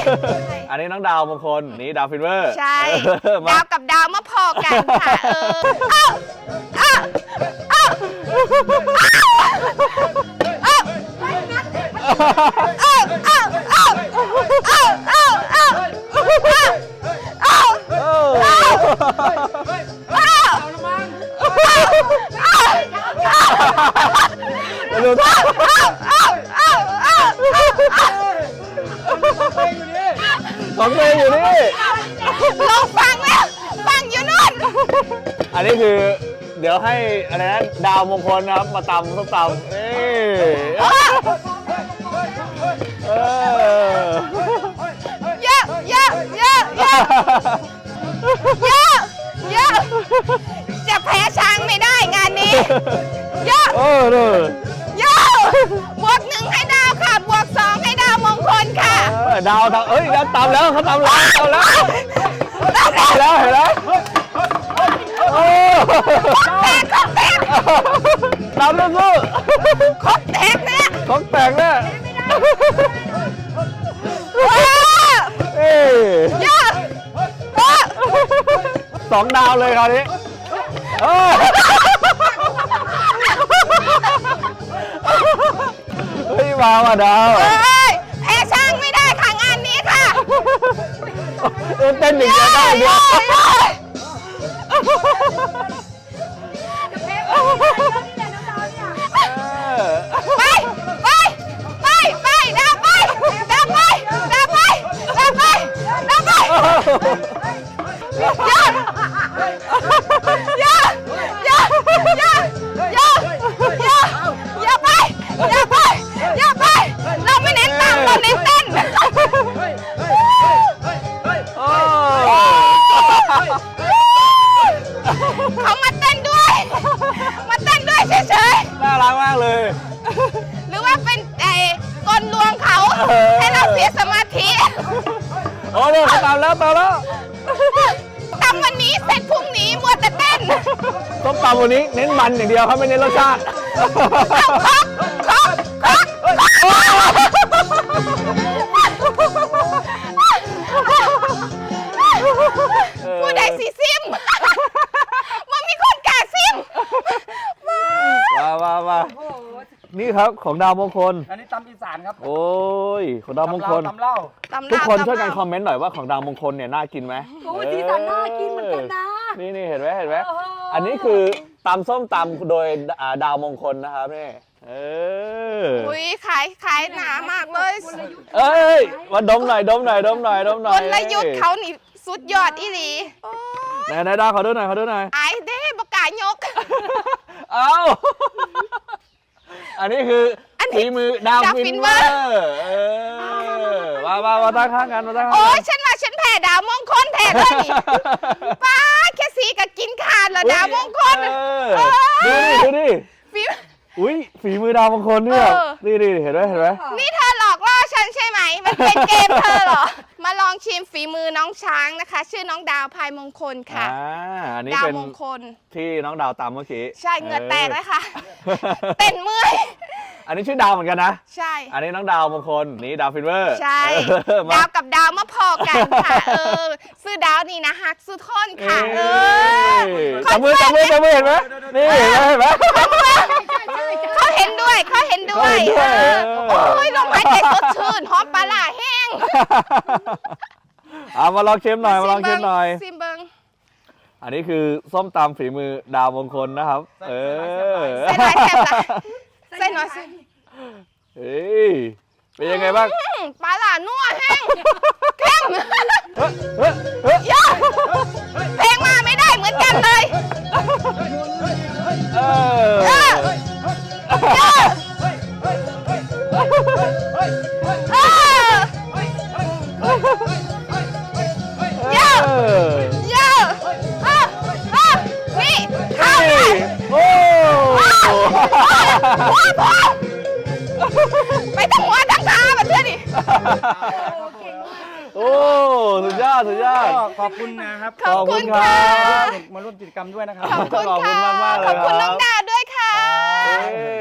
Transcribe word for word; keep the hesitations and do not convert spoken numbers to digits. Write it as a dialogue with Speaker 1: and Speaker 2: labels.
Speaker 1: อันนี้น้องดาวมงคลนี่ดาวฟินเวอร์
Speaker 2: ใช่ดาวกับดาวมาพอกันค่ะเออเอ้าเอ้าเอ้าเอ้าเอ้าเอ้าเอ้าเอ้าเอ้าเอ้า
Speaker 1: ดูท่าของเพลงอยู่นี่
Speaker 2: ลองฟังแล้วฟังอยู่นู่น
Speaker 1: อันนี้คือเดี๋ยวให้อะไรนะดาวมงคลนะครับมาตำส้มตำเอ้เออ
Speaker 2: เยอะเยอะเยอะเยอะเยอะเยอะจะแพ้ช้างไม่ได้งานนี้เยอะ
Speaker 1: เออเลย
Speaker 2: เยอะบวกหนึ่งให้ดาวค่ะบวกสองให้ดาวมงคลค่ะ
Speaker 1: ดาวทำเอ้ยดาวตำแล้วเขาตำแล้วตำแล้วตำแล้วเห็นไหมโอ้
Speaker 2: แตกครบแตก
Speaker 1: ตำแล้วสู้
Speaker 2: ครบแตกเนี่ย
Speaker 1: ครบแตกเนี่ยเอ้ย
Speaker 2: เยอะ
Speaker 1: สองดาวเลยคราวนี้เฮ้ยมาว่ะดาว
Speaker 2: แพ้ช่างไม่ได้ค่ะงานนี้ค่ะ
Speaker 1: เต้นหนึ่งจะได้เดียว
Speaker 2: ไปไปไปไปดาวไปดาวไปดาวไปดาวไปดาวไปยอดยอดยอดยอดยอดยอดอย่าไปอย่าไปอย่าไปเราไม่เน้นตามเราเน้นเต้นเขามาเต้นด้วยมาเต้นด้วยเฉย
Speaker 1: ๆน่ารักมากเลย
Speaker 2: หรือว่าเป็นไอ้กลลวงเขาให้เราเสียสมาธิ
Speaker 1: โอ้เนี่ยตามแล้วตามแล้ว
Speaker 2: ตามวันนี้เสร็จพรุ่งนี้มัวแต่เต้น
Speaker 1: ต้มตำวันนี้เน้นมันอย่างเดียวครับไม่เน้นรสชาติ
Speaker 2: ครบครบครบผู้ใดสีซิมมันมีคนกาซิม
Speaker 1: มามามานี่ครับของดาวมงคล
Speaker 3: อันนี้ตำอีสานครับ
Speaker 1: โอ้ยของดาวมงคล
Speaker 3: ตำเล่า
Speaker 1: ทุกคนช่วยกันคอมเมนต์หน่อยว่าของดาวมงคลเนี่ยน่ากินไหม
Speaker 4: โอ้ยสีสันน่ากินเหมือนกันนะ
Speaker 1: นี่นี่เห็นไหมเห็นไหมอันนี้คือตำส้มตำโดยดาวมงคลนะครับนี่เออ
Speaker 2: อุ้ยขายขายหนามากเลย
Speaker 1: เอ้ยมาดมหน่อยดมหน่อยดมหน่อยดมหน่อย
Speaker 2: กลยุทธ์เขานี่สุดยอดอีหลี
Speaker 1: ไหนไหนดาวขอดูหน่อยขอดูหน่อย
Speaker 2: ไอ้เด้บกายก
Speaker 1: เอ้าอันนี้คือฝีมือดาวฟินเวอร์มามามาตั้งข้างกันมาตั้งข้างกัน
Speaker 2: โอ้ยฉันว่าฉันแพ้ดาวมงคลแท้เลยนี่ป้าแค่สีกับกินขาดเหรอดาวมงคล
Speaker 1: ดูดิดูดิ
Speaker 2: ฝี
Speaker 1: อุ้ยฝีมือดาวมงคลเนี่ยนี่ดิเห็นไหมเห็นไหม
Speaker 2: นี่เธอหลอกล่อฉันใช่ไหมมันเป็นเกมเธอเหรอมาลองชิมฝีมือน้องช้างนะคะชื่อน้องดาวพายมงคลค่ะ
Speaker 1: อันนี้
Speaker 2: ดาว
Speaker 1: เป็น
Speaker 2: มงคล
Speaker 1: ที่น้องดาวตามเมื่อกี้
Speaker 2: ใช่เหงื่อแตกเลยค่ะเต้นเมื่อย
Speaker 1: อันนี้ชื่อดาวเหมือนกันนะ
Speaker 2: ใช่
Speaker 1: อันนี้น้องดาวมงคลนี่ดาวฟินเวอร์
Speaker 2: ใช่ดาวกับดาวมาพอกันค่ะเออซื้อดาวนี่นะฮักซื้อท่อนค่ะเออ
Speaker 1: จับมือจับมือจับมือเห็นไหมนี่เห็นไหมเห็นไหม
Speaker 2: เขาเห็นด้วยเขาเห็นด้วยโอ้ยลมหายใจสดชื่นหอมปลาล่าแห้ง
Speaker 1: เอามาลองชิมหน่อยมาลองชิมหน่อย
Speaker 2: ซิมเบิง
Speaker 1: อันนี้คือส้มตำฝีมือดาวมงคลนะครับเออ
Speaker 2: ใส่หน่อยแซ่บละใส่หน่อย
Speaker 1: เฮ้ยเป็นยังไงบ้าง
Speaker 2: ปลาล่านัวแห้งเข้มเยอะเพลงมาไม่ได้เหมือนกันเลย
Speaker 1: เออ
Speaker 2: เยอะเยอะเยอะเยอะนี่ข้าว
Speaker 1: โอ้
Speaker 2: ไปทั้งหัวทั้งขาแบบเพื่อนดิ
Speaker 1: โอ้สุดยอดสุดยอด
Speaker 3: ขอบคุณนะครับ
Speaker 2: ขอบคุณค่ะ
Speaker 3: มาร่วมกิจกรรมด้วยนะครับ
Speaker 2: ขอบคุณค่ะ
Speaker 1: มากมากเลย
Speaker 2: ขอบคุณน้องดาวด้วยค่ะ